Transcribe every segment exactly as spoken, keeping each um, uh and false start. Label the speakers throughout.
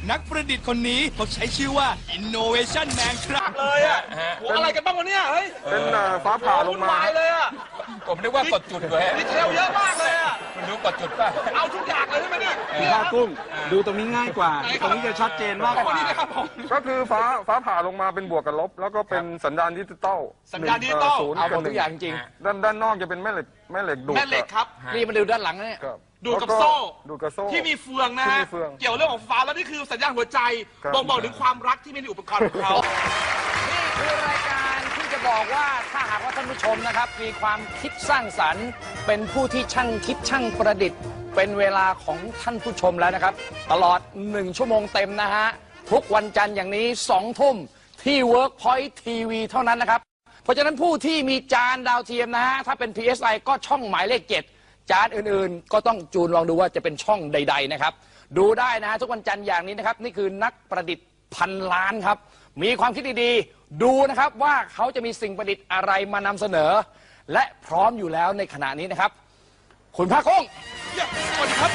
Speaker 1: นักประดิษฐ์คนนี้เขาใช้ชื่อว่า Innovation Man ครับ
Speaker 2: เลยอ่ะโหอะไรกันบ้างวะเนี่ยเฮ้ย
Speaker 3: เป็นฟ้าผ่าลงมา
Speaker 2: เลยอ่ะ
Speaker 4: ผมนึกว่ากดจุดเลย
Speaker 2: ดีเทลเยอะมากเลยอ่ะ
Speaker 4: มันรู้กดจุดป่ะ
Speaker 2: เอาทุกอย่างเลยใช่ไหมเนี่ย
Speaker 3: ผ้ากุ้งดูตรงนี้ง่ายกว่าตรงนี้จะชัดเจนมากกว่าก็คือฟ้าฟ้าผ่าลงมาเป็นบวกกับลบแล้วก็เป็นสัญญาณดิจิตอล
Speaker 2: สัญญาณดิจิตอล
Speaker 4: เอาหมดทุกอย่างจริง
Speaker 3: ด้านด้านนอกจะเป็นแม่เหล็กแม่เหล็กดูด
Speaker 2: แม่เหล็กครับ
Speaker 4: นี่มาดูด้านหลังเนี่ย
Speaker 2: ดูดกับโซ่
Speaker 3: ดูดกับโซ่
Speaker 2: ที่มีเฟืองนะฮะเกี่ยวเรื่องของฟ้าแล้วนี่คือสัญญาณหัวใจบ่งบอกถึงความรักที่มีในอุปกรณ์ของเขา
Speaker 4: นี่คือรายการที่จะบอกว่าถ้าหากว่าท่านผู้ชมนะครับมีความคิดสร้างสรรค์เป็นผู้ที่ช่างคิดช่างประดิษฐ์เป็นเวลาของท่านผู้ชมแล้วนะครับตลอดหนึ่งชั่วโมงเต็มนะฮะทุกวันจันทร์อย่างนี้สองทุ่มที่ Workpoint ที วี เท่านั้นนะครับเพราะฉะนั้นผู้ที่มีจานดาวเทียมนะฮะถ้าเป็น พี เอส ไอ ก็ช่องหมายเลขเจ็ดจานอื่นๆก็ต้องจูนลองดูว่าจะเป็นช่องใดๆนะครับดูได้นะฮะทุกวันจันทร์อย่างนี้นะครับนี่คือนักประดิษฐ์พันล้านครับมีความคิดดีๆดูนะครับว่าเขาจะมีสิ่งประดิษฐ์อะไรมานำเสนอและพร้อมอยู่แล้วในขณะนี้นะครับคุณภาคกุ้ง
Speaker 2: สวัสดีครับ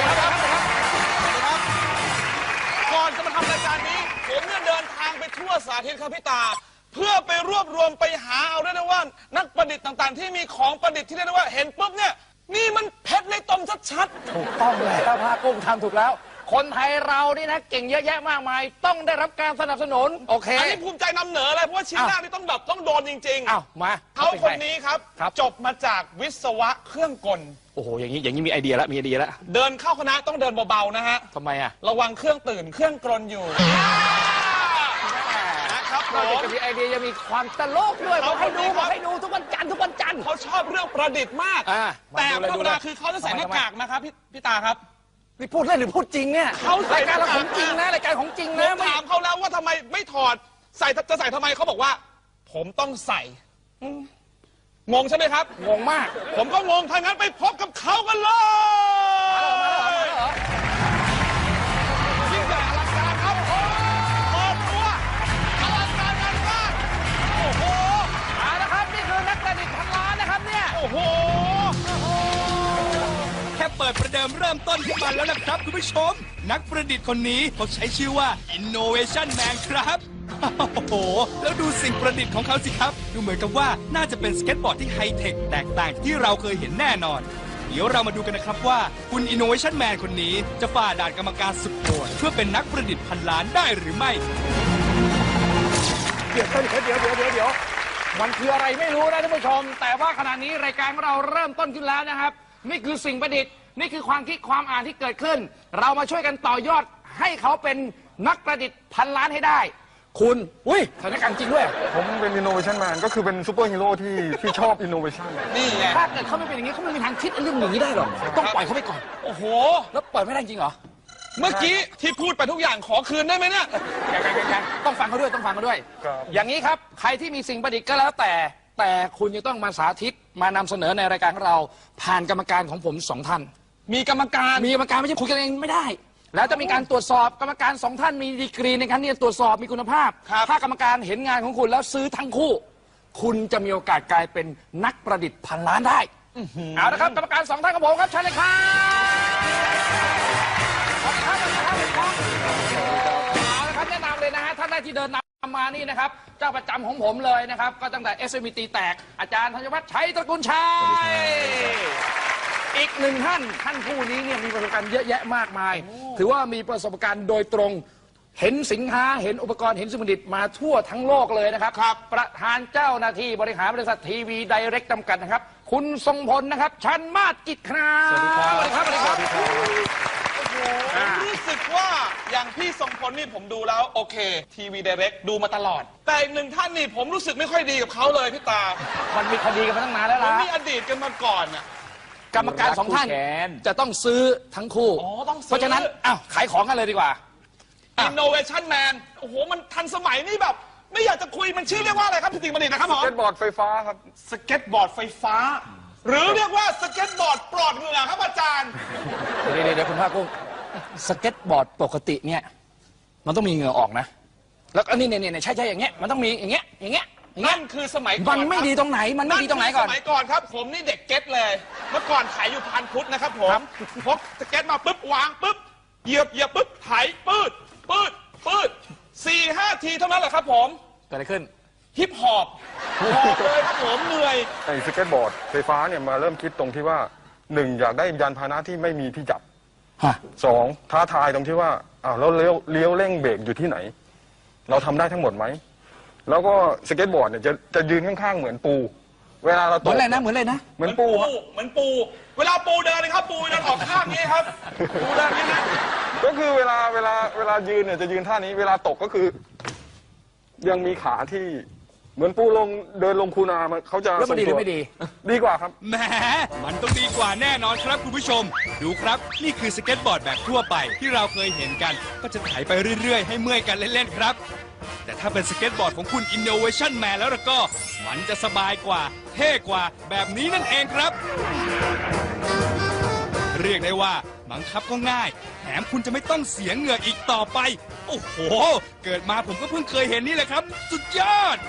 Speaker 2: ก่อนจะมาทำรายการนี้ผมเนี่ยเดินทางไปทั่วสาธิตครับพี่ตาเพื่อไปรวบรวมไปหาเอาได้นะว่านักประดิษฐ์ต่างๆที่มีของประดิษฐ์ที่เรียกได้ว่าเห็นปุ๊บเนี่ยนี่มันเพชรในตมชัด
Speaker 4: ๆถูกต้องแล้วภาคกุ้งทำถูกแล้วคนไทยเรานี่นะเก่งเยอะแยะมากมายต้องได้รับการสนับสนุนโอเค
Speaker 2: อันนี้ภูมิใจนำเหนือเลยเพราะว่าชิ้นแรกนี่ต้องแบบต้องโดนจริงๆ
Speaker 4: อ้าวมา
Speaker 2: เขาคนนี้ครับจบมาจากวิศวะเครื่องกล
Speaker 4: โอ้โหอย่างนี้อย่างนี้มีไอเดียแล้วมีไอเดียแล้ว
Speaker 2: เดินเข้าคณะต้องเดินเบาๆนะฮะ
Speaker 4: ทำไมอ่ะ
Speaker 2: ระวังเครื่องตื่นเครื่องกลนอยู่นะครับ
Speaker 4: นอกจากจะมีไอเดียยังมีความตลกด้วยบอกให้ดูบอกให้ดูทุกวันจันทร์ทุกวันจันทร์
Speaker 2: เขาชอบเรื่องประดิษฐ์มากแต่ธรรมดาคือเขาจะใส่หน้ากากนะครับพี่พี่ตาครับ
Speaker 4: นี่พูดเล่นหรือพูดจริงเนี่ย
Speaker 2: เขา
Speaker 4: รายการเราของจริงนะรายการของจริงนะ
Speaker 2: ถามเขาแล้วว่าทำไมไม่ถอดใส่จะใส่ทำไมเขาบอกว่าผมต้องใส่งงใช่ไหมครับ
Speaker 4: งงมาก
Speaker 2: ผมก็งงถ้างั้นไปพบกับเขากันเลยยิ่งใหญ่อลังการครับโอ้เปิดตัวอลังการงานมากโอ้โห
Speaker 4: เอาละครับนี่คือนักประดิษฐ์พันล้านนะครับเนี่ย
Speaker 2: โอ้โห
Speaker 1: แค่เปิดประเดิมเริ่มต้นขึ้นมาแล้วนะครับคุณผู้ชมนักประดิษฐ์คนนี้เขาใช้ชื่อว่า Innovation Man ครับโอ้โหแล้วดูสิ่งประดิษฐ์ของเขาสิครับดูเหมือนกับว่าน่าจะเป็นสเก็ตบอร์ดที่ไฮเทคแตกต่างจากที่เราเคยเห็นแน่นอนเดี๋ยวเรามาดูกันนะครับว่าคุณ Innovation Man คนนี้จะฝ่าด่านกรรมการสุดโหดเพื่อเป็นนักประดิษฐ์พันล้านได้หรือไม่
Speaker 4: เดี๋ยวเดี๋ยวเดี๋ยวเดี๋ยวเดี๋ยวเดี๋ยวมันคืออะไรไม่รู้นะท่านผู้ชมแต่ว่าขณะนี้รายการของเราเริ่มต้นขึ้นแล้วนะครับนี่คือสิ่งประดิษฐ์นี่คือความคิดความอ่านที่เกิดขึ้นเรามาช่วยกันต่อยอดให้เขาเป็นนักประดิษฐ์พันล้านให้ได้คุณอุ้ยสถานการณ์จริงด้วย
Speaker 3: ผมเป็น Innovation Man ก็คือเป็นซูเปอร์ฮีโร่ที่ที่ชอบ Innovation
Speaker 2: นี่ไง
Speaker 4: ถ้าเกิดเขาไม่เป็นอย่างนี้เขาไม่มีทางคิดเรื่องอย่างนี้ได้หรอกต้องปล่อยเขาไปก่อน
Speaker 2: โอ้โห
Speaker 4: แล้วปล่อยไม่ได้จริงเหรอ
Speaker 2: เมื่อกี้ที่พูดไปทุกอย่างขอคืนได้ไหมเนี่ย
Speaker 4: ยังๆๆต้องฟังเขาด้วยต้องฟังเขาด้วยอย่างนี้ครับใครที่มีสิ่งประดิษฐ์ก็แล้วแต่แต่คุณจะต้องมาสาธิตมานำเสนอในรายการของเราผ่านกรรมการของผมสองท่าน
Speaker 2: มีกรรมการ
Speaker 4: มีกรรมการไม่ใช่คุยกันเองไม่ได้แล้วจะมีการตรวจสอบกรรมการสองท่านมีดีกรีในการที่จะตรวจสอบมีคุณภาพถ้ากรรมการเห็นงานของคุณแล้วซื้อทั้งคู่คุณจะมีโอกาสกลายเป็นนักประดิษฐ์พันล้านได้เอาละครับกรรมการสองท่านของผมครับเชิญเลยครับเอาละครับแนะนำเลยนะฮะท่านแรกที่เดินนำมานี่นะครับเจ้าประจำของผมเลยนะครับก็ตั้งแต่ เอส เอ็ม ที แตกอาจารย์ธัญวัฒน์ชัยตระกูลชัยอีกหนึ่งท่านท่านผู้นี้เนี่ยมีประสบการณ์เยอะแยะมากมายถือว่ามีประสบการณ์โดยตรงเห็นสินค้าเห็นอุปกรณ์เห็นสิ่งประดิษฐ์มาทั่วทั้งโลกเลยนะครับประธานเจ้าหน้าที่บริหารบริษัททีวีไดเรกจำกัดนะครับคุณทรงพลนะครับชันมาศกิจครับสวัสดีครับสวัสดีครับสวัสดีครับ
Speaker 2: ผมรู้สึกว่าอย่างพี่ทรงพลนี่ผมดูแล้วโอเคทีวีไดเรกดูมาตลอดแต่อีกหนึ่งท่านนี่ผมรู้สึกไม่ค่อยดีกับเขาเลยพี่ตา
Speaker 4: มันมีคดีกันมาตั้งนานแล้วล่ะ
Speaker 2: มันมีอดีตกันมาก่อนอ่ะ
Speaker 4: กรรมการสองท่านจะต้องซื้อทั้งคู่เพราะฉะนั้นอ้าวขายของกันเลยดีกว่า
Speaker 2: Innovation Man โอ้โหมันทันสมัยนี่แบบไม่อยากจะคุยมันชื่อเรียกว่าอะไรครับพี่ติ๋งประดิษฐ์นะครับผม
Speaker 3: สเก็ตบอร์ดไฟฟ้าครับ
Speaker 2: สเก็ตบอร์ดไฟฟ้าหรือเรียกว่าสเก็ตบอร์ดปลอดเหงื่อครับอาจารย์
Speaker 4: เดี๋ยวเดี๋ยวคุณภาคกุ้งสเก็ตบอร์ดปกติเนี่ยมันต้องมีเหงื่อออกนะแล้วอันนี้เนี่ยเนี่ยใช่ใช่อย่างเงี้ยมันต้องมีอย่างเงี้ยอย่างเงี้ย
Speaker 2: นั่นคือสมัยก่อน
Speaker 4: มันไม่ดีตรงไหนมันไม่ดีตรงไหนก่อน
Speaker 2: สมัยก่อนครับผมนี่เด็กเก็ตเลยเมื่อก่อนขายอยู่พันพุทธนะครับผมพกสเก็ตมาปุ๊บวางปุ๊บเหยียบเหยียบปุ๊บไถปืดทีเท่านั้นแหละครับผม
Speaker 4: เกิดอะไรขึ้น
Speaker 2: ฮิปฮอปหอบเลยครับผมเหนื่อย
Speaker 3: ไอ้สเก็ตบอร์ดไฟฟ้าเนี่ยมาเริ่มคิดตรงที่ว่าหนึ่งอยากได้ยานพาหนะที่ไม่มีที่จับ
Speaker 4: ฮะ
Speaker 3: สองท้าทายตรงที่ว่าอ้าวแล้วเลี้ยวเลี้ยวเร่งเบรกอยู่ที่ไหน เราทำได้ทั้งหมดไหมแล้วก็สเก็ตบอร์ดเนี่ยจะจะยืนข้างๆเหมือนปู เวลาเรา
Speaker 4: เห
Speaker 3: ต
Speaker 4: มือก นอะไรนะ เหมือนอะไรนะ
Speaker 3: เหมือนปูฮะ
Speaker 2: เหมือนปู เวลาปูเดินเลยครับ ปูเดินออกข้างนี้ครับ ปูเดินนี้นะ
Speaker 3: ก็คือเวลาเวลาเวลายืนเนี่ยจะยืนท่านี้ เวลาตกก็คือ ยังมีขาที่เหมือนปูลงเดินลงคูนามันเขาจะ
Speaker 4: แล้วมันดีหรือ
Speaker 3: ทงตัว
Speaker 4: ไม่ดี
Speaker 3: ดีกว่าครับ
Speaker 1: แหมมันต้องดีกว่าแน่นอนครับคุณผู้ชม ดูครับ นี่คือสเก็ตบอร์ดแบบทั่วไปที่เราเคยเห็นกัน ก็จะไถไปเรื่อย ๆ ให้เมื่อยกันเล่น ๆ ครับ แต่ถ้าเป็นสเก็ตบอร์ดของคุณ Innovation Man แล้วล่ะก็ มันจะสบายกว่า เท่กว่าแบบนี้นั่นเองครับ เรียกได้ว่าบังคับก็ง่าย แถมคุณจะไม่ต้องเสียเหงื่ออีกต่อไป โอ้โห เกิดมาผมก็เพิ่งเคยเห็นนี่แหละครับ สุดยอด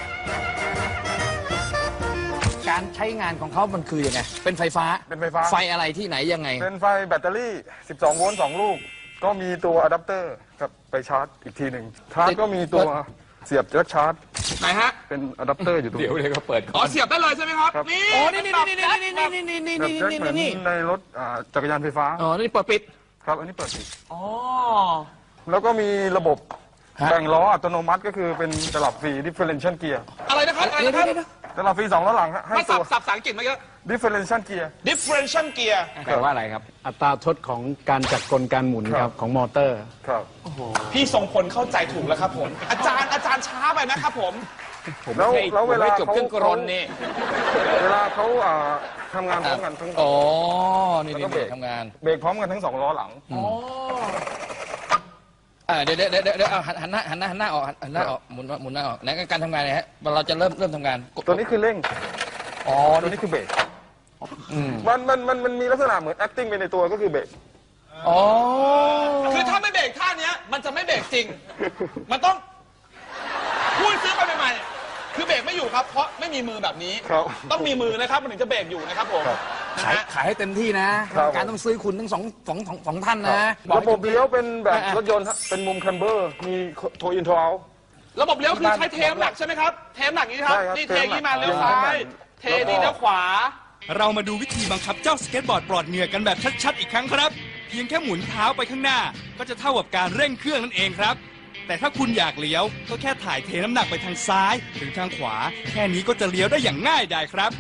Speaker 4: การใช้งานของเขามันคือยังไง เป็นไฟฟ้า
Speaker 3: เป็นไฟฟ้า
Speaker 4: ไฟอะไรที่ไหนยังไง
Speaker 3: เป็นไฟแบตเตอรี่ สิบสอง โวลต์สองลูก ก็มีตัวอะแดปเตอร์ครับไปชาร์จอีกทีหนึ่งชาร์จก็มีตัวเสียบแจ็คชาร์จ
Speaker 2: ไหนฮะ
Speaker 3: เป็นอะแดปเตอร์อยู่ตรง
Speaker 4: เดี๋ยว
Speaker 3: นี้
Speaker 4: เลยก็เปิด
Speaker 2: อ๋อเสียบได้เลยใช่ไหมครับ
Speaker 3: ครับ
Speaker 2: นี่
Speaker 4: อ๋อ นี่นี่นี่นี่นี่นี่นี่นี่
Speaker 3: แบบ
Speaker 4: นี่
Speaker 3: แจ็ค
Speaker 4: นี่
Speaker 3: เหมือน
Speaker 4: นี่
Speaker 3: ในรถอ่าจักรยานไฟฟ้า
Speaker 4: อ๋อ นี่เปิดปิด
Speaker 3: ครับ อันนี้เปิดปิด
Speaker 2: อ๋อ
Speaker 3: แล้วก็มีระบบ
Speaker 4: ฮะ
Speaker 3: แบ่งล้ออัตโนมัติก็คือเป็นตลับฟรี differential gear
Speaker 2: อะไรนะครับ อะไร
Speaker 4: เดี๋ยว
Speaker 2: นะครับ
Speaker 4: เดี๋ยวเดี๋ยว
Speaker 3: ตลับฟรีสองล้อหลังฮะให้
Speaker 2: มา
Speaker 3: ตั
Speaker 2: สับ
Speaker 3: ว
Speaker 2: สับภาษาอังกฤษมาเยอะ
Speaker 3: differential gear
Speaker 2: differential gear
Speaker 4: แปลว่าอะไรครับ
Speaker 5: อัตราทดของการจัดกลการหมุน
Speaker 3: ค
Speaker 5: ค
Speaker 3: รั
Speaker 5: รับ บของมอเตอร์
Speaker 3: ครับ
Speaker 2: พี่ทรงพลเข้าใจถูกแล้วครับผม อาจารย์อาจารย์ช้าไปนะครับผม
Speaker 3: แล้วแล้วเวลา
Speaker 4: ไม่จบ
Speaker 3: เขา
Speaker 4: เครื่องกรนนี่
Speaker 3: เวลาเขาอ่าทำงานพร้อมกันทั้ง
Speaker 4: อ๋อ นี่
Speaker 3: แล้วก็
Speaker 4: นี่
Speaker 3: เบรก
Speaker 4: ทำงาน
Speaker 3: เบรกพร้อมกันทั้งสองล้อหลัง
Speaker 4: อ่าเดี๋ยวเดี๋ยวเดี๋ยวเดี๋ยวเอาหันหันหน้าหันหน้าหันหน้าออกหันหน้าออกหมุนหมุนหน้าออกไหนการทำงานเนี่ยฮะเราจะเริ่มเริ่มทำงานกด
Speaker 3: ตัวนี้คือเร่ง
Speaker 4: อ๋อ
Speaker 3: ตัว
Speaker 4: นี่
Speaker 3: นี้คือเบรก
Speaker 4: อืม
Speaker 3: มันมันมันมันมีลักษณะเหมือน acting ไปในตัวก็คือเบรก
Speaker 4: อ๋อ
Speaker 2: คือถ้าไม่เบรกท่าเนี้ย มันจะไม่เบรกจริง มันต้องพูดซื้อไปใหม่ๆคือเบรกไม่อยู่ครับ เพราะไม่มีมือแบบนี้
Speaker 3: ครับ
Speaker 2: ต้องมีมือนะครับ มันถึงจะเบรกอยู่นะครับผม
Speaker 3: ครับ
Speaker 2: นะ
Speaker 4: ขาย
Speaker 2: ฮะ
Speaker 4: ขายให้เต็มที่นะครับ การต้องซื้อคุณทั้งสองสองสองสองท่านนะอก
Speaker 3: ระ
Speaker 4: ให้
Speaker 3: บบ
Speaker 4: ต็มที่
Speaker 3: เลี้ยวเป็นแบบ
Speaker 4: อ่ะ
Speaker 3: รถยนต์ฮะเป็นมุมแคมเบอร์ มีโทอินทราว
Speaker 2: ระบบเลี้ยวคือใช้เทมหลักใช่ไหมครับ เทมหลักนี้ครับ
Speaker 3: ใช่ครับ
Speaker 2: นี่เทนี้มา
Speaker 3: เท
Speaker 2: เลี้ยว
Speaker 3: มหลัก
Speaker 2: ซ้าย เท
Speaker 3: แล้วก็
Speaker 2: นี่เลี้ยวขวา
Speaker 1: เรามาดูวิธีบังคับเจ้าสเก็ตบอร์ดปลอดเหงื่อกันแบบชัดๆอีกครั้งครับ เพียงแค่หมุนเท้าไปข้างหน้า ก็จะเท่ากับการเร่งเครื่องนั่นเองครับ แต่ถ้าคุณอยากเลี้ยวก็แค่ถ่ายเทน้ำหนักไปทางซ้ายหรือทางขวา แค่นี้ก็จะเลี้ยวได้อย่างง่ายดายครับ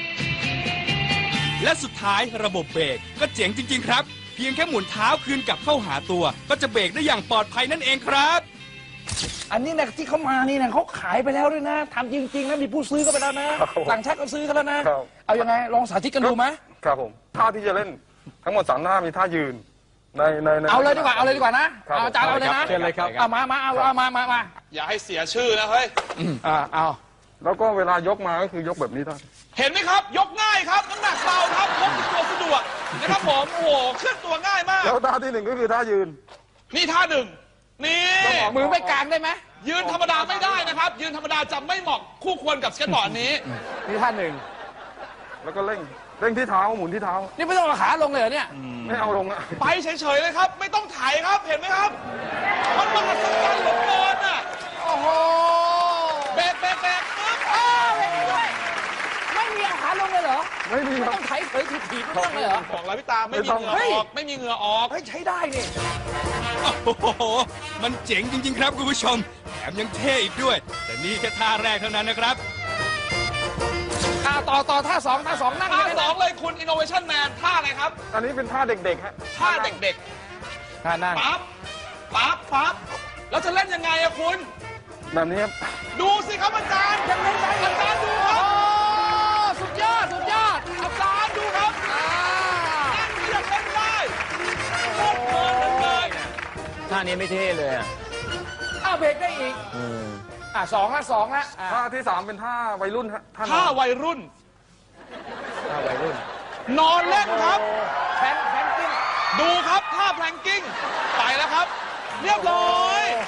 Speaker 1: และสุดท้ายระบบเบรกก็เจ๋งจริง ๆ ครับ เพียงแค่หมุนเท้าคืนกลับเข้าหาตัว ก็จะเบรกได้อย่างปลอดภัยนั่นเองครับ
Speaker 4: อันนี้นะที่เขามานี่นะเขาขายไปแล้วด้วยนะทำจริงๆนะมีผู้ซื้อก็ไปแล้วนะครับ
Speaker 3: ผม
Speaker 4: ต่างชาติก็ซื้อกันแล้วนะ
Speaker 3: ครับ
Speaker 4: เอายังไงลองสาธิตกันดูไหม
Speaker 3: ครับผม ท่าที่จะเล่นทั้งหมดสามท่ามีท่ายืน ในในใน
Speaker 4: เอาเลยดีกว่าเอาเลยดีกว่านะครับ เอาอาจารย์เอาเลยนะ
Speaker 5: เชิญเลยครับ
Speaker 4: เอามามาเอาเอามามามา
Speaker 2: อย่าให้เสียชื่อนะเฮ้ย
Speaker 4: อ่าเอา
Speaker 3: แล้วก็เวลายกมาก็คือยกแบบนี้ท่าน
Speaker 2: เห็นไหมครับ ยกง่ายครับ น้ำหนักเบาครับพกติดตัวสะดวกนะครับผม โอ้โห เคลื่อนตัวง่ายมาก
Speaker 3: แล้วท่าที่หนึ่งก็คือท่ายืน
Speaker 2: นี่ท่าหนึ่ง นี่
Speaker 4: มือไม่กลางได้ไหม
Speaker 2: ยืนธรรมดาไม่ได้นะครับ ยืนธรรมดาจะไม่เหมาะคู่ควรกับสเก็ตบอร์ดนี้
Speaker 4: นี่ท่านหนึ่ง
Speaker 3: แล้วก็เร่ง เร่งที่เท้าหมุนที่เท้า
Speaker 4: นี่ไม่ต้องเอาขาลงเลยเหรอเนี่ย
Speaker 3: ไม่เอาลงอะ
Speaker 2: ไปเฉยๆเลยครับ ไม่ต้องไถครับ เห็นไหมครับ มันมหัศจรรย์เหลือเกินอ่ะ
Speaker 4: โอ้โห
Speaker 2: เบรกเบรกเบรกปึ๊บ
Speaker 4: อ้าวไม่มีด้วยไม่มีเอาขาลงเลยเหรอ
Speaker 3: ไม่มี
Speaker 4: ไม่
Speaker 3: ครับ
Speaker 4: ต้องไถเผยถีบถีบไม่ต้องเลยเหรอ
Speaker 2: บอกแล้วพี่ตาไม่มีเหงื่อ
Speaker 4: เฮ้ย
Speaker 2: ออก ไม่มีเหงื่อออก
Speaker 4: เฮ้ยใช้ได้นี่
Speaker 1: โอ้โห มันเจ๋งจริง ๆ ครับคุณผู้ชม แถมยังเท่อีกด้วย แต่นี่แค่ท่าแรกเท่านั้นนะครับ
Speaker 4: อ่าต่อต่อท่าสองท่าสองนั่ง
Speaker 2: ท่า
Speaker 4: เลย
Speaker 2: ส
Speaker 4: นะ
Speaker 2: องเลยคุณ Innovation Man ท่าอะไรครับ
Speaker 3: อันนี้เป็นท่าเด็กๆฮะ
Speaker 2: ท่าเด็ก
Speaker 4: ท่านั่ง
Speaker 2: ๆ ปั๊บ ปั๊บ ปั๊บ แล้วจะเล่นยังไงอะคุณ
Speaker 3: แบบนี้ครับ
Speaker 2: ดูสิครับอาจารย์ยังเล่นได้อาจารย์ดูค
Speaker 4: โอ้
Speaker 2: รับ
Speaker 4: สุดยอดสุดยอด
Speaker 2: อาจารย์ดูครับ
Speaker 4: อ่า
Speaker 2: นั่นเรียกเล่นได้โคตรเพลินเลย
Speaker 5: ท่านี้ไม่เท่เลยอ่ะ
Speaker 4: อ้าวเบรกได้อีกอ่าสองละสองละอ่า
Speaker 3: ท่าที่สามเป็นท่าวัยรุ่นฮะท่าน
Speaker 2: ท่า
Speaker 3: อน
Speaker 2: วัยรุ่น
Speaker 5: ท่าวัยรุ่น
Speaker 2: นอนเล่นครับ
Speaker 4: แพนแพนกิ้ง
Speaker 2: ดูครับท่าแพลงกิ้ง ไปแล้วครับ เรียบร้อย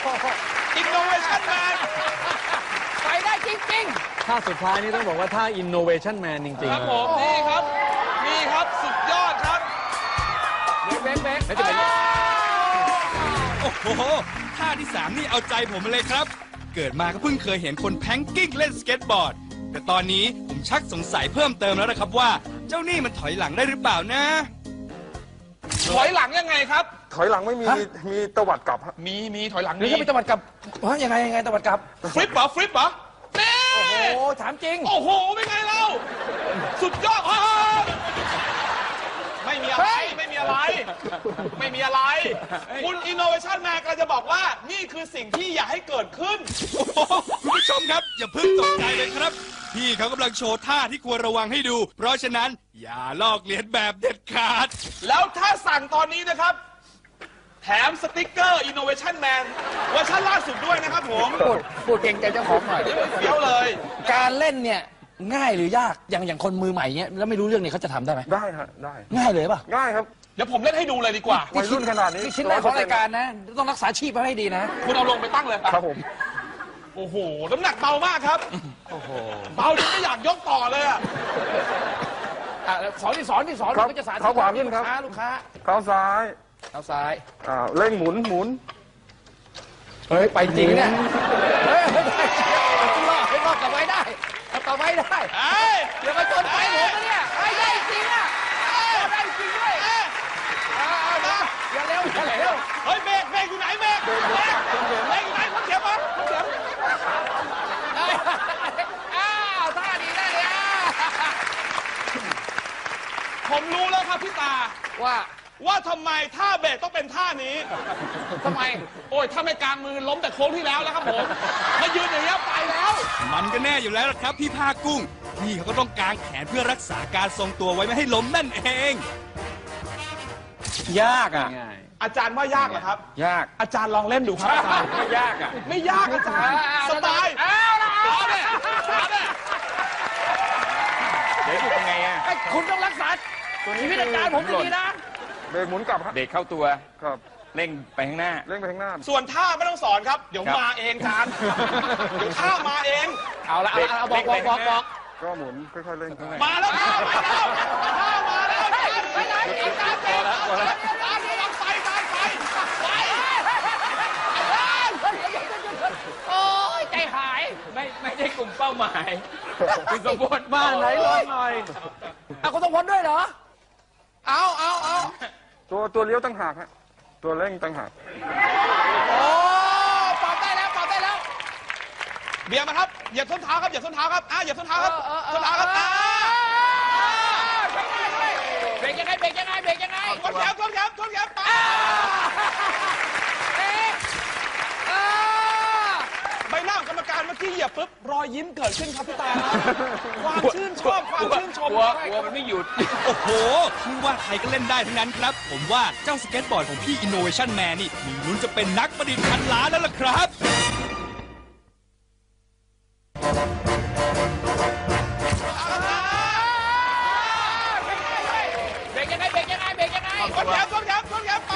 Speaker 2: Innovation Man
Speaker 4: ไปได้จริง
Speaker 5: ท่าสุดท้ายนี่ต้องบอกว่าท่า innovation man จริง
Speaker 2: ครับ
Speaker 5: ๆ
Speaker 2: ผม นี่ครับ นี่ครับ สุดยอดครับ
Speaker 4: ๆเบรกเบรก
Speaker 5: แล้วจะเป็น
Speaker 1: โอ้โห ท่าที่สามนี่เอาใจผมมาเลยครับเกิดมาก็เพิ่งเคยเห็นคนแพงกิ้งเล่นสเก็ตบอร์ด แต่ตอนนี้ผมชักสงสัยเพิ่มเติมแล้วนะครับว่า เจ้านี่มันถอยหลังได้หรือเปล่านะ
Speaker 2: ถอยหลังยังไงครับ
Speaker 3: ถอยหลังไม่มี
Speaker 4: ฮะ
Speaker 3: มีตวัดกลับฮะ
Speaker 2: มีมีถอยหลัง
Speaker 4: หรือ
Speaker 2: มี
Speaker 4: จะเป็นตะวัดกลับว่ายังไงยังไงตะวัดกลับ
Speaker 2: ฟลิปเหรอฟลิปเหรอเน่
Speaker 4: โอ้โหถามจริง
Speaker 2: โอ้โหเป็นไงเราสุดยอดฮ่าไม่มีอะไรไม่มีอะไร ไม่มีอะไร คุณ Innovation Man กำลังจะบอกว่านี่คือสิ่งที่อยากให้เกิดขึ้น
Speaker 1: โอ้โหคุณผู้ชมครับ อย่าเพิ่งตกใจเลยครับ พี่เขากำลังโชว์ท่าที่ควรระวังให้ดู เพราะฉะนั้นอย่าลอกเลียนแบบเด็ดขาด
Speaker 2: แล้วถ้าสั่งตอนนี้นะครับ แถมสติกเกอร์ Innovation Man เวอร์ชันล่าสุดด้วยนะครับผม
Speaker 4: พูดพูดเก่งใจเจ้าของหน่อย
Speaker 2: เดี๋ยวเลย
Speaker 4: การเล่นเนี่ยง่ายหรือยากอย่างอย่างคนมือใหม่เนี้ยแล้วไม่รู้เรื่องเนี่ยเขาจะทำได้ไหม
Speaker 3: ได้ฮะได้
Speaker 4: ง่ายเลยป่ะ
Speaker 3: ง่ายครับ
Speaker 2: เดี๋ยวผมเล่นให้ดูเลยดีกว่า
Speaker 3: วัยรุ่นขนาดนี้
Speaker 4: นี่ชิ้นแรกของรายการนะ ต้องรักษาชีพไว้ให้ดีนะ
Speaker 2: คุณเอาลงไปตั้งเลย
Speaker 3: ครับผม
Speaker 2: โอ้โห น้ำหนักเบามากครับ
Speaker 4: โอ้โห
Speaker 2: เบาจนไม่อยากยกต่อเลยอะ
Speaker 4: อ่ะสอนที่สอนที่สอน
Speaker 3: ครับ
Speaker 4: ก็จะสาธิต
Speaker 3: เขาขวาขึ้นครับ
Speaker 4: ลูกค้าลูกค้า
Speaker 3: เท้าซ้าย
Speaker 4: เอาซ้าย
Speaker 3: อ่าเร่งหมุนหมุน
Speaker 4: เฮ้ย ไปจริงเนี่ย เฮ้ยไม่ได้เอารอดให้รอดกลับไว้ได้เอากลับไว้ได้
Speaker 2: เอ้ย
Speaker 4: เดี๋ยวมาชนไฟผมนะเนี่ยไอ้ได้จริงอ่ะเอาได้จริงด้วยเอาเอานะอย่าเร็วอย่าเร็ว
Speaker 2: เฮ้ยเบรกเบรกอยู่ไหนเบรกเบรกเบรกอยู่ไหนคนเขียวมาคนเขียว
Speaker 4: อ้าวท่าดีได้เลยอ่ะ
Speaker 2: ผมรู้แล้วครับพี่ตา
Speaker 4: ว่า
Speaker 2: ว่าทำไมท่าเบรกต้องเป็นท่านี้
Speaker 4: ทำไม
Speaker 2: โอ้ยถ้าไม่กลางมือล้มแต่โค้งที่แล้วแล้วครับผมมายืนอย่างนี้ยไปแล้ว
Speaker 1: มันก็แน่อยู่แล้วล่ะครับพี่ภาคกุ้ง พี่เขาก็ต้องกางแขนเพื่อรักษาการทรงตัวไว้ไม่ให้ล้มนั่นเอง
Speaker 5: ยากอ่ะ ง่าย
Speaker 2: อาจารย์ว่ายากเหรอครับ
Speaker 5: ยาก
Speaker 2: อาจารย์ลองเล่นดูครับอาจารย์
Speaker 5: ไม่ยากอ่ะ
Speaker 2: ไม่ยากอาจารย์สบาย
Speaker 4: เอาละ
Speaker 2: เอาเนี่ยเอาเนี่ย
Speaker 5: เดี๋ยวอยู่ยังไงอ่ะ
Speaker 4: ไอ้คุณต้องรักษาชีวิตอาจารย์ผมดีๆนะ
Speaker 3: เบรกหมุนกลับฮะ
Speaker 5: เด็กเข้าตัว
Speaker 3: ครับ
Speaker 5: เร่งไปข้างหน้า
Speaker 3: เร่งไปข้างหน้า
Speaker 2: ส่วนท่าไม่ต้องสอนครับ เดี๋ยว
Speaker 5: ครับ
Speaker 2: มาเองอาจารย์เดี๋ยวท่ามาเอง
Speaker 4: เอาละเอาละเอาบอกบอกบอกบอก
Speaker 3: ก็หมุนค่อยๆเร่ง
Speaker 2: มาแล้วท่ามาแล้วท่ามาแล้วอาจารย์
Speaker 4: ไปไหนอาจารย์เจ๊
Speaker 2: อาจารย์อาจารย์ระวังไฟอาจารย์ไฟไฟ
Speaker 4: โอ้ยใจหาย
Speaker 5: ไม่ไม่ใช่กลุ่มเป้าหมายคุณสมบูรณ์บ้านไหนลองหน่อย
Speaker 4: เอาคุณต้องพ้นด้วยเหรอ
Speaker 2: เอาเอาเอา
Speaker 3: ตัวตัวเลี้ยวตั้งหากฮะตัวเร่งตั้งหาก
Speaker 4: โอ้ปรับได้แล้วปรับได้แล้ว
Speaker 2: เบียร์มาครับเหยียบส้นเท้าครับเหยียบส้นเท้าครับอ่ะเหยียบส้นเท้าครับ
Speaker 4: เออเออเออ
Speaker 2: ส้นเท้าครับอ่ะ
Speaker 4: เบรกยังไงเบรกยังไงเบรกยังไง
Speaker 2: ชนแขนชนแขนชนแขนไป
Speaker 4: เอ๊ะเออ
Speaker 2: ใบหน้าของกรรมการเมื่อกี้เหยียบปุ๊บรอยยิ้มเกิดขึ้นครับพี่ตาความชื่นชอบความชื่นชม
Speaker 5: กลัวกลัวมันไม่หยุด
Speaker 1: โอ้โหไม่ว่าใครก็เล่นได้ทั้งนั้นครับ ผมว่าเจ้าสเก็ตบอร์ดของพี่ Innovation Man นี่มีลุ้นจะเป็นนักประดิษฐ์พันล้านแล้วล่ะครับ
Speaker 4: เบรกยังไงเบรกยังไงเบรกยังไง
Speaker 2: ชนแขนชนแขนชนแขนไป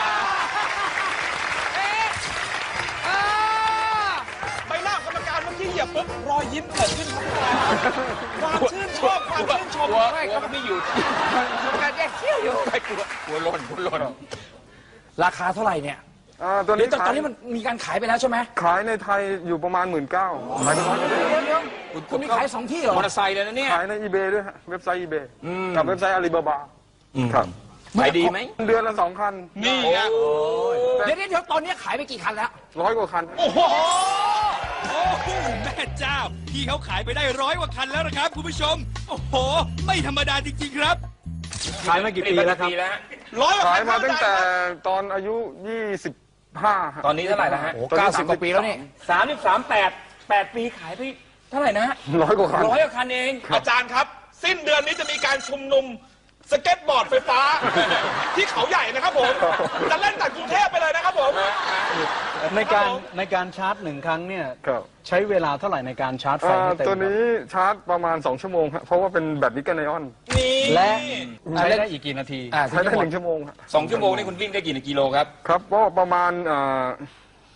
Speaker 4: เอ๊ะเออ
Speaker 2: ใบหน้าของกรรมการเมื่อกี้เหยียบปุ๊บรอยยิ้มเกิดขึ้นครับพี่ตาความชื่นชอบความชื่นชม
Speaker 5: กลัวกลัวมันไม่หยุด
Speaker 4: การแยกเขี้ยวอยู่
Speaker 5: ไม่กลัวกลัวหล่นกลัวหล่น
Speaker 4: ราคาเท่าไหร่เนี่ย
Speaker 3: อ่าตัว
Speaker 4: หรือ
Speaker 3: นี้
Speaker 4: ตอนต
Speaker 3: ขา
Speaker 4: อย นนี้มันมีการขายไปแล้วใช่ไหม
Speaker 3: ขายในไทยอยู่ประมาณหมื่นเก้าขายในร้อย
Speaker 4: เดี๋ยวเดี๋ยวคุณมีขายสองที่เหรอ
Speaker 5: มอเตอร์ไซค์เลยนะเนี่ย
Speaker 3: ขายในอีเบด้วยฮะเว็บไซต์อีเบกับเว็บไซต์อาลีบาบาครับ
Speaker 5: ขายดีไหม
Speaker 3: เดือนละสองคัน
Speaker 2: นี่ไง
Speaker 4: เดี๋ยวเดี๋ยวตอนนี้ขายไปกี่คันแล้ว
Speaker 3: ร้อยกว่าคัน
Speaker 2: โอ้โห
Speaker 1: โอ้โหแม่เจ้า พี่เขาขายไปได้ร้อยกว่าคันแล้วนะครับคุณผู้ชม โอ้โห ไม่ธรรมดาจริงๆครับ
Speaker 5: ขายมากี่ปีแล้วครับ
Speaker 2: ร้อยกว่า
Speaker 3: ขาย
Speaker 2: คัน
Speaker 3: มาตั้งแต่
Speaker 2: ครับ
Speaker 3: ตอนอายุยี่สิบห้า
Speaker 5: ตอนนี้เท่าไหร่แล้วฮะ
Speaker 4: โอ้เก้าสิบกว่าปีแล้วนี่
Speaker 5: สามสิบสามแปดแปดปีขายไปเท่าไหร่นะ
Speaker 3: ร้อยกว่าคัน
Speaker 5: ร้อยกว่าคันเอง
Speaker 2: อาจารย์ครับ สิ้นเดือนนี้จะมีการชุมนุมสเก็ตบอร์ดไฟฟ้า ที่เขาใหญ่นะครับผม จะเล่นจากกรุงเทพไปเลยนะครับผม
Speaker 5: ในการ
Speaker 2: ครับผม
Speaker 5: ในการชาร์จหนึ่งครั้งเนี่ย
Speaker 3: ครับ
Speaker 5: ใช้เวลาเท่าไหร่ในการชาร์จไฟ
Speaker 3: อ่า
Speaker 5: ให้เต็ม
Speaker 3: ตัวนี้ชาร์จประมาณสองชั่วโมงครับเพราะว่าเป็นแบตนิกเกิลไอออน
Speaker 2: นี่
Speaker 5: และใช้ได้อีกกี่นาที
Speaker 4: อ่า
Speaker 3: ใช้ได้หนึ่งชั่วโมงครับ
Speaker 6: สองชั่วโมงนี่คุณวิ่งได้กี่กิโลครับ
Speaker 3: ครับก็ประมาณอ่า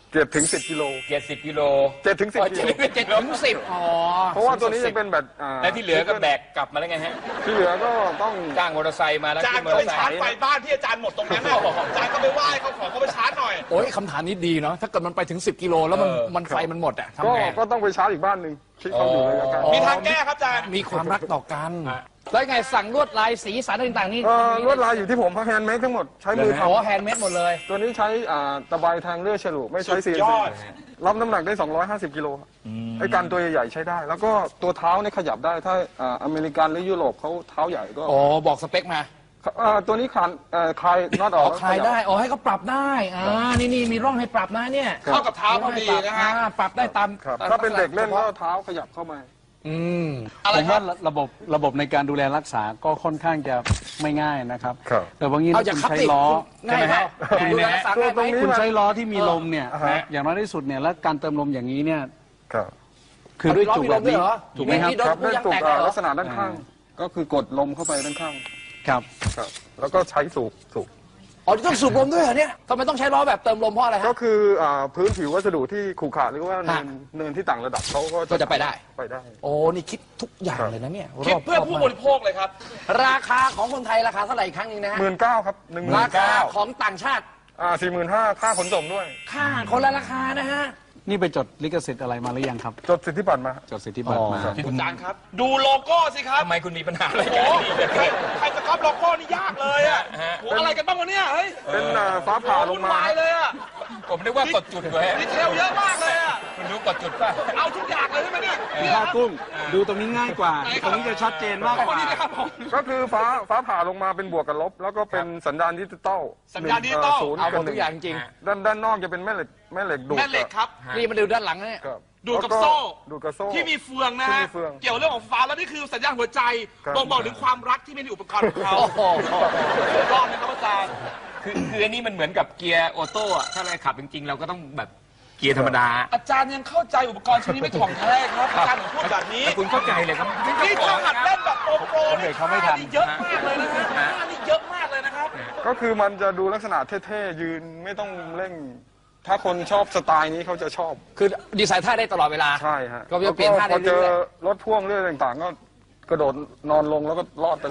Speaker 3: เจ็ดถึงสิบกิโล
Speaker 5: เจ็ดสิบกิโล
Speaker 3: เจ็ดถึงสิบ
Speaker 4: อ๋อ
Speaker 3: กิโล
Speaker 4: เจ็ดถึงสิบอ๋อ
Speaker 3: เพราะว่าตัวนี้จะเป็นแบบอ่า
Speaker 5: แล้วที่เหลือก็แบกกลับมาแล้วไงฮะ
Speaker 3: ที่เหลือก็ต้อง
Speaker 5: จ้างมอเตอร์ไซค์มาแล้ว
Speaker 2: อาจาร
Speaker 5: ขึ้
Speaker 2: ย์
Speaker 5: นมอ
Speaker 2: ก็
Speaker 5: เตอร์ไซค์
Speaker 2: ไปชาร์จไฟบ้านที่อาจารย์หมดตรงนั้นน่ะอาจารย์ก็ไปไหว้เขาขอเขาไปชาร์จหน่อย
Speaker 4: โอ้ยคำถามนี้ดีเนาะถ้าเกิดมันไปถึงสิบกิโลแล้วมันมันไฟมันหมดอะ
Speaker 3: ก็
Speaker 4: ทำไง
Speaker 3: ก็ต้องไปชาร์จอีกบ้านหนึ่งที่เขาอยู่ระยะไกล
Speaker 2: มีทางแก้ครับอาจารย์
Speaker 4: มีความรักต่อกัน แล้วไงสั่งลวดลายสีสันต่างๆนี่
Speaker 3: เอ่อลวดลายอยู่ที่ผมแฮนด์เมดทั้งหมดใช้มือท
Speaker 4: โอ้แฮนด์เมดหมดเลย
Speaker 3: ำตัวนี้ใช้อ่าตะไบแทงเลื่อยฉลุไม่ใช้
Speaker 2: สุ
Speaker 3: ซี
Speaker 2: ด
Speaker 3: เอ็น
Speaker 2: ย
Speaker 3: ซี
Speaker 2: อด
Speaker 3: รับน้ำหนักได้สองร้อยห้าสิบกิโลครับไอ้การตัวใหญ่ๆใช้ได้ แล้วก็ตัวเท้าเนี่ยขยับได้ถ้าอ่าอเมริกันหรือยุโรปเขาเท้าใหญ่ก็
Speaker 4: อ๋อบอกสเปคมา
Speaker 3: อ่าตัวนี้คลานเอ่อคลายน็อตอ
Speaker 4: อ๋
Speaker 3: อ
Speaker 4: อก คลายได้อ๋อให้เขาปรับได้อ่านี่นี่มีร่องให้ปรับนะเนี่ย
Speaker 2: เข้ากับเท้าพอดีนะฮะ
Speaker 4: อ่าปรับได้ตาม
Speaker 3: ครับ
Speaker 4: ตม
Speaker 3: ถ้าเป็นเด็กเล่นก็
Speaker 4: ฉพาะ
Speaker 3: เท้าขยับเข้ามา
Speaker 4: อืม
Speaker 2: อะไร
Speaker 6: ผม
Speaker 2: ครั
Speaker 6: ว่า
Speaker 2: บ
Speaker 6: ระบบระบบในการดูแลรักษาก็ค่อนข้างจะไม่ง่ายนะครับ
Speaker 3: ครับ
Speaker 6: แต่บางที
Speaker 4: เอา
Speaker 6: ถ้า
Speaker 4: จาก
Speaker 6: คุณ
Speaker 4: คับ
Speaker 6: ใช้
Speaker 4: ติ
Speaker 6: ล้อ
Speaker 4: ง่ายไหม
Speaker 5: ง่ายไหม
Speaker 4: ดูแลรักษาง่ายไหม
Speaker 3: ตรงนี้
Speaker 6: คุณใช้ล้อที่มีลมเนี่ย
Speaker 3: อ่าฮะ
Speaker 6: อย่างน้อยที่สุดเนี่ยแล้วการเติมลมอย่างนี้เนี่ย
Speaker 3: ครับ
Speaker 6: คือด้วยจุกแบบนี้
Speaker 4: เอาล้อมีลมด้วยเหรอ
Speaker 6: ถูกไหมครับ
Speaker 4: มีโดน
Speaker 3: ครับได้
Speaker 4: ยาง
Speaker 3: ตุก
Speaker 4: แตก
Speaker 3: อ่า
Speaker 4: เหรอ
Speaker 3: ลักษณะด้านข้าง ก็คือกดลมเข้าไปด้านข้าง
Speaker 6: ครับ
Speaker 3: ครับ แล้วก็ใช้สูบสูบ
Speaker 4: อ๋อต้องสูบลมด้วยเหรอเนี่ยทำไมต้องใช้ล้อแบบเติมลมเพราะอะไร
Speaker 3: ก็
Speaker 4: ฮะ
Speaker 3: คืออ่าพื้นผิววัสดุที่ขรุขระหรือว่าเนิน
Speaker 4: ฮะ
Speaker 3: เนินที่ต่างระดับเขาก็
Speaker 4: ก็จะไปได้
Speaker 3: ไปได้
Speaker 4: โอ้นี่คิดทุกอย่างเลยนะเนี่ย
Speaker 2: คิดเพื่อ
Speaker 4: รบ
Speaker 2: ผู้
Speaker 4: มาก
Speaker 2: บริโภคเลยครับ
Speaker 4: ราคาของคนไทยราคาเท่าไหร่อีกครั้งหนึงนะฮะ
Speaker 3: หมื่นเก้าครับหนึ่งหมื่
Speaker 4: ราน คา
Speaker 3: เก้า
Speaker 4: ของต่างชาติ
Speaker 3: อ่าสี่หมื่นห้าค่าขนส่งด้วย
Speaker 4: ค่าคนละราคานะฮะ
Speaker 6: นี่ไปจดลิขสิทธิ์อะไรมาหรือยังครับ
Speaker 3: จดสิทธิบัตรมา
Speaker 6: จดสิทธิบัตรมา
Speaker 3: อ๋อ
Speaker 2: คุณอาจารย์ครับ ดูโลโก้สิครับ
Speaker 5: ทำไมคุณมีปัญหาอะไร
Speaker 2: โอ้
Speaker 5: กัน
Speaker 2: โหใครใครจะก๊อปโลโก้นี่ยากเลยอ่ะโหอะไรกันบ้างวะเนี่ยเฮ้ย
Speaker 3: เป็นอ่าฟ้าผ่าลง
Speaker 2: วุ่น
Speaker 3: มาว
Speaker 2: ายเลยอ่ะ
Speaker 5: ผมนึกว่ากดจุดไว้
Speaker 2: ดีเทลเยอะมากเลยอ่ะ
Speaker 5: คุณรู้กดจุดป่ะ
Speaker 2: เอาทุกอย่างเลยใช่ไหมเนี่ยเนี่ย
Speaker 6: ผ้า
Speaker 2: ครับ
Speaker 6: กุ้ง ดูตรงนี้ง่ายกว่า ตรงนี้จะชัดเจนมากกว่า
Speaker 2: นี่นะครับผม
Speaker 3: ก็คือฟ้าฟ้าผ่าลงมาเป็นบวกกับลบ แล้วก็เป็นสัญญาณดิจิตอล
Speaker 2: สัญญาณดิจิตอล
Speaker 3: ศูนย์
Speaker 4: เอาหม
Speaker 3: กับ
Speaker 4: ด
Speaker 3: ห
Speaker 4: ทุ
Speaker 3: นึ่
Speaker 4: กอย่างจริง
Speaker 3: ด้านด้านนอกจะเป็นแม่เหล็กแม่เหล็กดูด
Speaker 2: แม่เหล็กครับ
Speaker 4: นี่มาดูด้านหลังนะเนี่ย
Speaker 3: ครับ
Speaker 2: ดูดกับ
Speaker 3: แล้ว
Speaker 2: โซ่
Speaker 3: ดูดกับโซ่
Speaker 2: ที่มีเฟืองนะ
Speaker 3: ที่
Speaker 2: ฮะ
Speaker 3: มีเฟือง
Speaker 2: เกี่ยวเรื่องของฟ้าแล้วนี่คือสัญญาณหัวใจ
Speaker 3: ครับ
Speaker 2: บ่งบอกถึงความรักที่มีในอุปกรณ์ของเขา
Speaker 4: โอ้โห
Speaker 2: สุดยอดนะครับอาจารย์
Speaker 5: คือคืออันนี้มันเหมือนกับเกียร์ออโต้อะถ้าเราขับจริงๆ เราก็ต้องแบบเกียร์ธรรมดา
Speaker 2: อาจารย์ยังเข้าใจอุปกรณ์ชิ้นนี้ไม่ถ่องแท้ครับอาจารย์ผมพูดแบบนี้
Speaker 5: แต่คุณเข้าใจเลยครับ
Speaker 2: นี่ถ้าหัดเล่นแบบโปรโปร
Speaker 6: เด็กเขาไม่ทัน
Speaker 2: นี่เยอะมากเลยนะฮะท่านี่เยอะมากเลยนะครับ
Speaker 3: ก็คือมันจะดูลักษณะเท่ๆยืนไม่ต้องเร่ง ถ้าคนชอบสไตล์นี้เขาจะชอบ
Speaker 4: คือดีไซน์ท่าได้ตลอดเวลา
Speaker 3: ใช่ฮะ
Speaker 4: ก็จะเปลี่ยนท่าได้
Speaker 3: พอเจอ
Speaker 4: เรื่อย
Speaker 3: รถพ่วงเรื่องต่างๆ ก็กระโดดนอนลงแล้วก็รอดไปเลย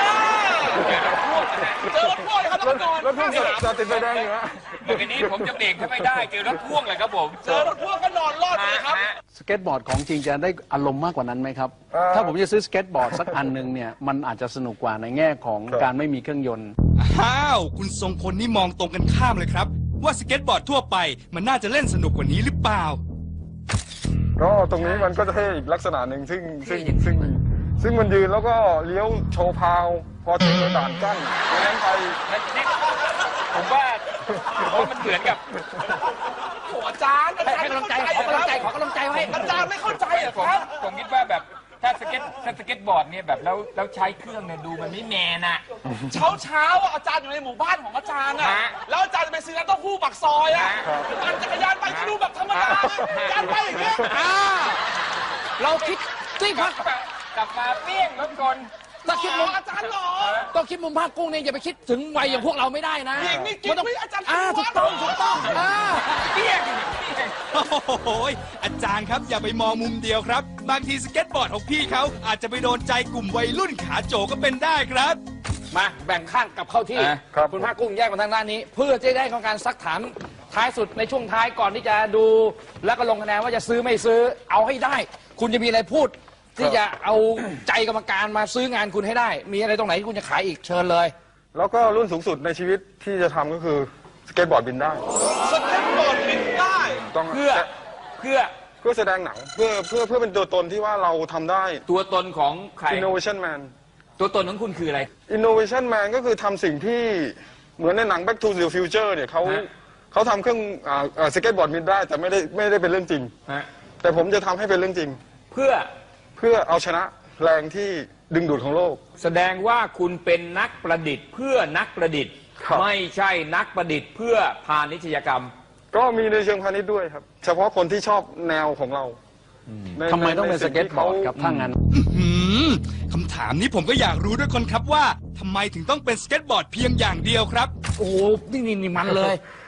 Speaker 2: เจอรถพ่วงครับแล้วก็นอน
Speaker 3: รถพ่วงจะติดไฟแดงอยู่ฮะ
Speaker 5: เดี๋ยวนี้ผมจะเบรกถ้าไม่ได้เจอรถพ่วงเลยครับผม
Speaker 2: เจอรถพ่วงก็นอนรอดเลยครับ
Speaker 6: สเก็ตบอร์ดของจริงจะได้อารมณ์มากกว่านั้นไหมครับ
Speaker 3: เอ่อ
Speaker 6: ถ้าผมจะซื้อสเก็ตบอร์ดสักอันหนึ่งเนี่ย มันอาจจะสนุกกว่าในแง่ของ
Speaker 3: ครับ
Speaker 6: การไม่มีเครื่องยนต์
Speaker 1: อ้าว คุณทรงพลนี่มองตรงกันข้ามเลยครับ ว่าสเก็ตบอร์ดทั่วไปมันน่าจะเล่นสนุกกว่านี้หรือเปล่า
Speaker 3: ก็ตรงนี้มันก็จะเท่อีกลักษณะหนึ่งซึ่งซึ่งซึ่งซึ่งมันยืนแล้วก็เลี้ยวโชว์พาว พอเจอด่านกั้นดังนั้นไป
Speaker 5: ผมว่าผมว่ามันเหมือนกับ
Speaker 2: โอ้อาจารย์อา
Speaker 4: ให้
Speaker 2: จาร
Speaker 4: ให้
Speaker 2: ย์
Speaker 4: กำลังใจขอกำลังใจขอกำลังใจไว้
Speaker 2: อาจารย์ไม่เข้าใจเหรอ
Speaker 5: ผม
Speaker 2: ครับ
Speaker 5: ผมคิดว่าแบบถ้าสเก็ตถ้าสเก็ตบอร์ดเนี่ยแบบแล้วแล้วใช้เครื่องเนี่ยดูมันไม่แมนอะ
Speaker 2: เช้าเช้าๆอ่ะอาจารย์อยู่ในหมู่บ้านของอาจารย์อ่ะ
Speaker 5: ฮะ
Speaker 2: แล้วอาจารย์จะไปซื้อน้ำเต้าหู้ปักซอยอ่ะปั่นจักรยานไปก็ดูแบบธรรมดาอาจารย์ไปอย่างเงี้ย
Speaker 4: อ่าเราคิดที่พัก
Speaker 5: กลับมาเปี้ยงรถกล
Speaker 4: ถ้าคิดมุม
Speaker 2: อาจารย์หรอ
Speaker 4: ต้องคิดมุมภาคกุ้งเนี่ยอย่าไปคิดถึงวัยอย่างพวกเราไม่ได้นะ
Speaker 2: หญิงนี่กิน
Speaker 4: มันต้อง
Speaker 2: ไม่อาจารย์
Speaker 4: อ่า
Speaker 2: ชู
Speaker 4: ถู
Speaker 2: วั
Speaker 4: ก
Speaker 2: ด
Speaker 4: ต้องถูกต้องอ่า
Speaker 5: เปี้ยง
Speaker 1: โอ้โหอาจารย์ครับอย่าไปมองมุมเดียวครับ บางทีสเก็ตบอร์ดของพี่เขาอาจจะไปโดนใจกลุ่มวัยรุ่นขาโจก็เป็นได้ครับ
Speaker 4: มาแบ่งข้างกลับเข้าที่
Speaker 5: อ่ะ
Speaker 3: ครับ
Speaker 4: คุณภาคกุ้งแยกมาทางด้านนี้ เพื่อจะได้ของการซักถามท้ายสุดในช่วงท้ายก่อนที่จะดูแล้วก็ลงคะแนนว่าจะซื้อไม่ซื้อเอาให้ได้ คุณจะมีอะไรพูด ที่จะเอาใจกรรมการมาซื้องานคุณให้ได้ มีอะไรตรงไหนที่คุณจะขายอีกเชิญเลย
Speaker 3: แล้วก็รุ่นสูงสุดในชีวิตที่จะทำก็คือสเก็ตบอร์ดบินได้
Speaker 2: สเก็ตบอร์ดบินได้
Speaker 3: ต้อง
Speaker 5: เพื่อเพื่อ
Speaker 3: เพื่อแสดงหนังเพื่อเพื่อเพื่อเป็นตัวตนที่ว่าเราทำได้
Speaker 5: ตัวตนของใคร
Speaker 3: innovation man
Speaker 5: ตัวตนของคุณคืออะไร
Speaker 3: innovation man ก็คือทำสิ่งที่เหมือนในหนัง back to the future เนี่ยเขา
Speaker 5: ฮะ
Speaker 3: เขาทำเครื่องอ่าอ่าสเก็ตบอร์ดบินได้แต่ไม่ได้ไม่ได้เป็นเรื่องจริง
Speaker 5: ฮะ
Speaker 3: แต่ผมจะทำให้เป็นเรื่องจริง
Speaker 5: เพื่อ
Speaker 3: เพื่อเอาชนะแรงที่ดึงดูดของโลก
Speaker 5: แสดงว่าคุณเป็นนักประดิษฐ์ เพื่อนักประดิษฐ์
Speaker 3: ครับ
Speaker 5: ไม่ใช่นักประดิษฐ์ เพื่อพาณิชยกรรม
Speaker 3: ก็มีในเชิงพาณิชย์ด้วยครับ เฉพาะคนที่ชอบแนวของเราใน
Speaker 6: ทำไมต้องเป็น
Speaker 3: ใน
Speaker 6: ส
Speaker 3: สิ่
Speaker 6: เก็ต
Speaker 3: ที่
Speaker 6: บอ
Speaker 3: ขา
Speaker 6: ร์ดครับถ้างั้น
Speaker 1: หืมคำถามนี้ผมก็อยากรู้ด้วยคนครับว่าทำไมถึงต้องเป็นสเก็ตบอร์ดเพียงอย่างเดียวครับ
Speaker 4: โอ้โหนี่นี่นี่มันเลย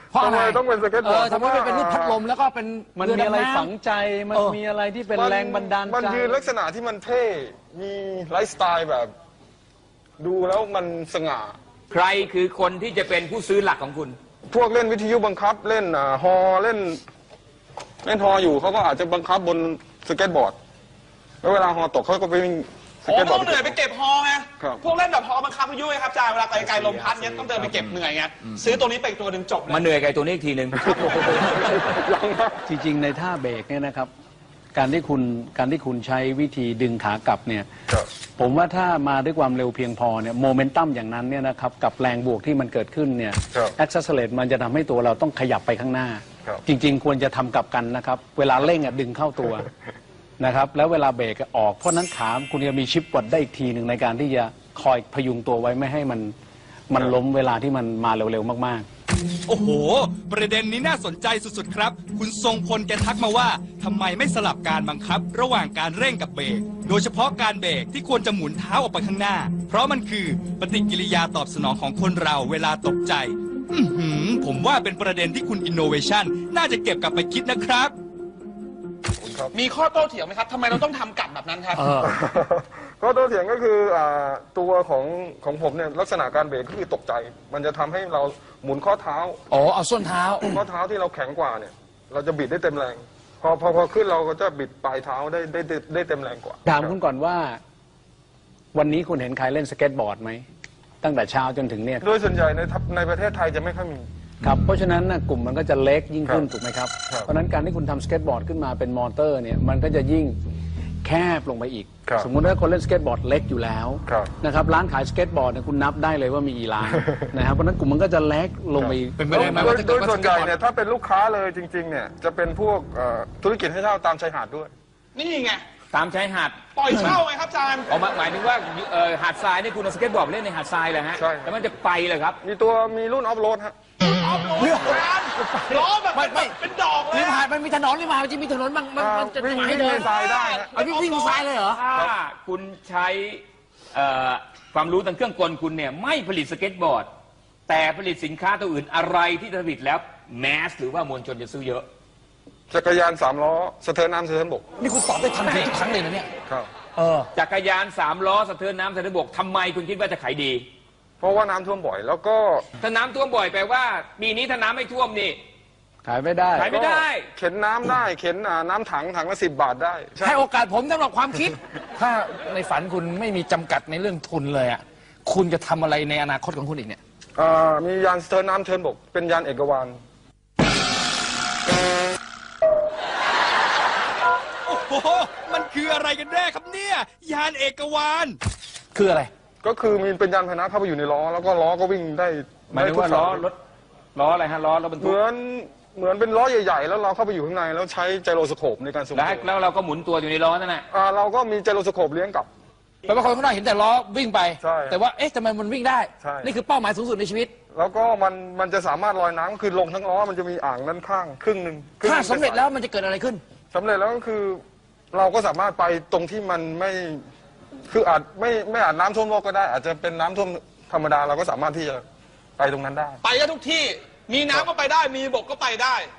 Speaker 4: เพราะอะไร
Speaker 3: ทำไมต้องเป็นสเก็ตบอร์ด
Speaker 4: เออทำไมไม่เป็นรูปพัดลมแล้วก็เป็น
Speaker 6: มัน
Speaker 4: เรือ
Speaker 6: มีอะไร
Speaker 4: ดำน้ำ
Speaker 6: ฝังใจ มัน
Speaker 4: เออ
Speaker 6: มีอะไรที่เป็น
Speaker 3: มั
Speaker 6: แรงบันดาลใจ
Speaker 3: มันยืนลักษณะที่มันเท่ มีไลฟ์สไตล์แบบ ดูแล้วมันสง่า
Speaker 5: ใครคือคนที่จะเป็นผู้ซื้อหลักของคุณ
Speaker 3: พวกเล่นวิทยุบังคับเล่นอ่าฮอเล่น เล่นฮออยู่เขาก็อาจจะบังคับบนสเก็ตบอร์ด แล้วเวลาฮอตกเขาก็ไปวิ่งส
Speaker 2: โอ้
Speaker 3: เก็ตบอ
Speaker 2: ต้
Speaker 3: ร์
Speaker 2: อ
Speaker 3: ด
Speaker 2: งเหนื่อยไปเก็บฮอไง
Speaker 3: ครับ
Speaker 2: พวกเล่นแบบฮอบังคับพายุไงครับอาจารย์เวลาไกลๆลมพัดเนี้ยต้องเดินไปเก็บเหนื่อยไงซื้อตัวนี้ไปอีกตัวหนึ่งจบเลย
Speaker 5: มาเหนื่อยกับไอ้ตัวนี้อีกทีหนึ่ง
Speaker 3: ยังนะ
Speaker 6: จริงๆ ในท่าเบรกเนี่ยนะครับ การที่คุณการที่คุณใช้วิธีดึงขากลับเนี่ย
Speaker 3: ครับ
Speaker 6: ผมว่าถ้ามาด้วยความเร็วเพียงพอเนี่ยโมเมนตัมอย่างนั้นเนี่ยนะครับกับแรงบวกที่มันเกิดขึ้นเนี่ย
Speaker 3: ครับ
Speaker 6: แอคซัสเลตมันจะทำให้ตัวเราต้องขยับไปข้างหน้า
Speaker 3: ครับ
Speaker 6: จริง ๆ ควรจะทำกลับกันนะครับ เวลาเร่งอ่ะดึงเข้าตัว นะครับแล้วเวลาเบรกอะออกเพราะนั้นขาคุณจะมีชิปวัดได้อีกทีหนึ่งในการที่จะคอยพยุงตัวไว้ไม่ให้มันมันล้มเวลาที่มันมาเร็วๆมากๆ
Speaker 1: โอ้โห ประเด็นนี้น่าสนใจสุดๆครับ คุณทรงพลแกทักมาว่าทำไมไม่สลับการบังคับ ระหว่างการเร่งกับเบรก โดยเฉพาะการเบรกที่ควรจะหมุนเท้าออกไปข้างหน้า เพราะมันคือปฏิกิริยาตอบสนองของคนเราเวลาตกใจ อือหือ ผมว่าเป็นประเด็นที่คุณ Innovation น่าจะเก็บกลับไปคิดนะครับ
Speaker 2: มีข้อโต้เถียงไหมครับทำไมเราต้องทำกลับแบบนั้นครับ
Speaker 3: ก็ตัวเถียงก็คืออ่าตัวของของผมเนี่ยลักษณะการเบรกก็คือตกใจ มันจะทำให้เราหมุนข้อเท้า
Speaker 4: อ๋อเอาส้นเท้า
Speaker 3: ข้อเท้าที่เราแข็งกว่าเนี่ย เราจะบิดได้เต็มแรง พอพอพอขึ้นเราก็จะบิดปลายเท้าได้ได้ได้ได้เต็มแรงกว่า
Speaker 6: ถามคุณก่อนว่า วันนี้คุณเห็นใครเล่นสเก็ตบอร์ดไหมตั้งแต่เช้าจนถึงเนี่ย
Speaker 3: โดยส่วนใหญ่ในทัพในประเทศไทยจะไม่ค่อยมี
Speaker 6: ครับเพราะฉะนั้นนะกลุ่มมันก็จะเล็กยิ่งขึ้น
Speaker 3: ครับ
Speaker 6: ถูกไหมครับ
Speaker 3: ครับ
Speaker 6: เพราะฉะนั้นการที่คุณทำสเก็ตบอร์ดขึ้นมาเป็นมอเตอร์เนี่ยมันก็จะยิ่งแคบลงไปอีก
Speaker 3: ครับ
Speaker 6: สมมุติว่าคนเล่นสเก็ตบอร์ดเล็กอยู่แล้ว
Speaker 3: ครับ
Speaker 6: นะครับร้านขายสเก็ตบอร์ดเนี่ยคุณนับได้เลยว่ามีกี่ร้าน นะครับเพราะฉะนั้นกลุ่มมันก็จะเล็กลงไปอีก
Speaker 4: เป็นไปได้ไหม
Speaker 3: โด
Speaker 4: ว่าย ถ้า
Speaker 3: โด
Speaker 4: เกิด
Speaker 3: ย
Speaker 4: ว่า
Speaker 3: ส่วนใหญ่
Speaker 4: สเก็ตบอร์ด
Speaker 3: เนี่ยถ้าเป็นลูกค้าเลยจริงๆเนี่ยจะเป็นพวกเอ่อธุรกิจให้เช่าตามชายหาดด้วย
Speaker 2: นี่ไง
Speaker 5: ตามชายหาด
Speaker 2: ปล่อยเช่าไงครับอาจารย์
Speaker 5: ออกมาหมายถึงว่าเอ่อหาดทรายนี่คุณเอาสเก็ตบอร์ดไปเล่นในหาดทรายเลยฮะ
Speaker 3: ใช่ครับ
Speaker 5: แล้วมันจะไปเลยครับ
Speaker 3: มีตัวมีรุ่นออฟโรดฮะ
Speaker 2: ออฟโรดอาจารย์ล้อแบบ
Speaker 4: ไม่ไม่
Speaker 2: เป็นดอกเลย
Speaker 4: ริม
Speaker 2: อะ
Speaker 4: หาดมันมีถนนริมหาดมันจะมีถนนบางมันมันจะ
Speaker 3: วิ่ง
Speaker 4: ให้
Speaker 3: วิ่ง
Speaker 4: เดิ
Speaker 3: ใน
Speaker 4: น
Speaker 3: ทรายได้ฮะ
Speaker 4: เอาวิ่งวิ่งบนทรายเลยเหรอ
Speaker 5: ถ้าคุณใช้เอ่อความรู้ทางเครื่องกลคุณเนี่ยไม่ผลิตสเก็ตบอร์ด แต่ผลิตสินค้าตัวอื่นอะไรที่ผลิตแล้วแมสหรือว่ามวลชนจะซื้อเยอะ
Speaker 3: จักรยานสามล้อสะเทินน้ำสะเทินบก
Speaker 4: นี่คุณตอบได้ทันทีทุกครั้งเลยนะเนี่ย
Speaker 3: ครับ
Speaker 4: เออ
Speaker 5: จักรยานสามล้อสะเทินน้ำสะเทินบกทำไมคุณคิดว่าจะขายดี
Speaker 3: เพราะว่าน้ำท่วมบ่อย แล้วก็
Speaker 5: ถ้าน้ำท่วมบ่อยแปลว่าปีนี้ถ้าน้ำไม่ท่วมนี่
Speaker 6: ขายไม่ได้
Speaker 5: ขายไม่ได้
Speaker 3: เข็นน้ำได้เข็นอ่าน้ำถังถังละสิบบาทได้ใช่
Speaker 4: ให้โอกาสผมสำหรับความคิด ถ้าในฝันคุณไม่มีจำกัดในเรื่องทุนเลยอ่ะคุณจะทำอะไรในอนาคตของคุณอีกเนี่ย
Speaker 3: อ่ามียานสะเทินน้ำสะเทินบก เป็นยานเอกวาน
Speaker 1: โอ้โห มันคืออะไรกันแน่ครับเนี่ย ยานเอกวาน
Speaker 4: คืออะไร
Speaker 3: ก็คือมีเป็นยานพาหนะเข้าไปอยู่ในล้อ แล้วก็ล้อก็วิ่งได้
Speaker 5: หมายถึงว่า
Speaker 3: ได้ทุก
Speaker 5: ล้อ
Speaker 3: สย
Speaker 5: รถล้ออะไรฮะล้อรถบรร
Speaker 3: เห
Speaker 5: ทุก
Speaker 3: มือนเหมือนเป็นล้อใหญ่ๆ แล้วเราเข้าไปอยู่ข้างในแล้วใช้ไจโรสโคปในการทรง
Speaker 5: แล้ว
Speaker 3: ตัว
Speaker 5: แล้วเราก็หมุนตัวอยู่ในล้อนั่นแหละ
Speaker 3: อ่าเราก็มีไจโรสโคปเลี้ยงกลับ
Speaker 4: แปลว่าคนข้างนอกเห็นแต่ล้อวิ่งไป
Speaker 3: ใช่
Speaker 4: แต่ว่าเอ๊ะทำไมมันวิ่งได้
Speaker 3: ใช่
Speaker 4: นี่คือเป้าหมายสูงสุดในชีวิต
Speaker 3: แล้วก็มันมันจะสามารถลอยน้ำคือลงทั้งล้อมันจะมีอ่างด้านข้างครึ่งหนึ่งคงห
Speaker 4: ถ้า
Speaker 3: นึ่ง
Speaker 4: สำเร็จแล้วมันจะเกิดอะไรขึ้น
Speaker 3: สำเร็จแล้วก็คือ เราก็สามารถไปตรงที่มันไม่คืออาจไม่ไม่อาจน้ำท่วมโลกก็ได้ อาจจะเป็นน้ำท่วมธรรมดาเราก็สามารถที่จะไปตรงนั้นได้
Speaker 2: ไปได้ทุกที่ มีน้ำก็ไปได้ มีบกก็ไปได้